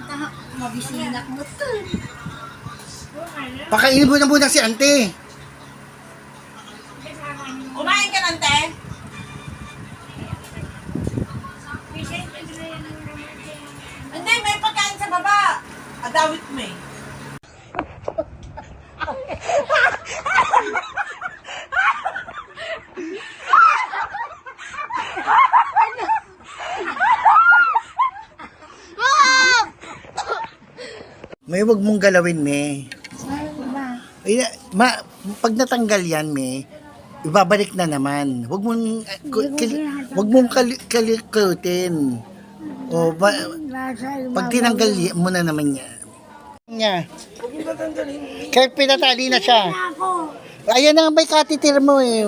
Mabisinak mo to. Pakainin mo na muna si ante. Kumain ka ng te? Hindi, may pagkain sa baba. Adawit mo eh. May wag mong galawin, me. Ay, pag natanggal yan, me, ibabalik na naman. Wag mong kalikutin. O, pag tinanggal mo na naman yan. Kaya pinatali na siya. Ayan na nga may katitir mo eh.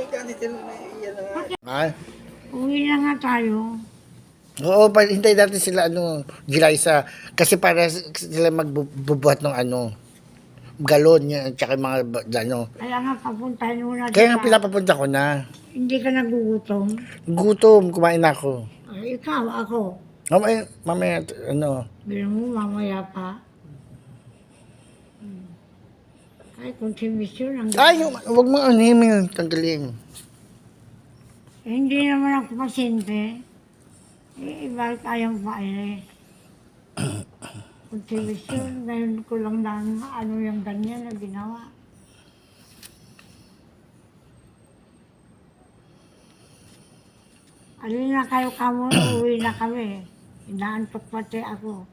Ha? Uwi na nga tayo. Oo, hintay natin sila Gilaysa. Kasi para sila magbubuhat ng galon niya at saka mga Kaya nga papuntahin mo na. Kaya nga pinapapunta ko na. Hindi ka nagugutom. Gutom, kumain na ako. Ay, ikaw, ako. Mamaya, Bilang mo, mamaya pa. Ay, konsumisyon ang Ay, wag mo tanggalin. Hindi naman ako pasyente. Bakit ayaw pa eh. Konsumisyon, ngayon ko lang na ano yung ganyan na ginawa. Alin na kayo kamo, uwi na kami. Inaantok pati ako.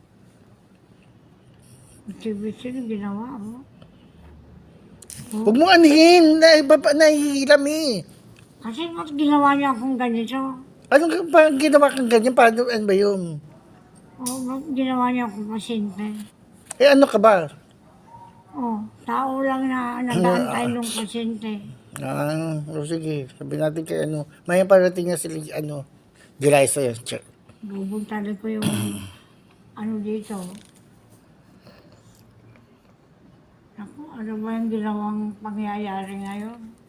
Konsumisyon, ginawa mo. Huwag mo anihin. Nahihiram eh. Kasi ba't ginawa niya akong ganito? Anong ginawa kang ganyan? Paano ba yun? Ba't ginawa niya akong pasyente? Eh ano ka ba? Tao lang na nag-aantay ng pasyente. Sige. Sabi natin kay Maya parating na sila, Gilaysa yun. Bubuntalan ko yung dito. Naku, ano ba yung ginawang pangyayari ngayon?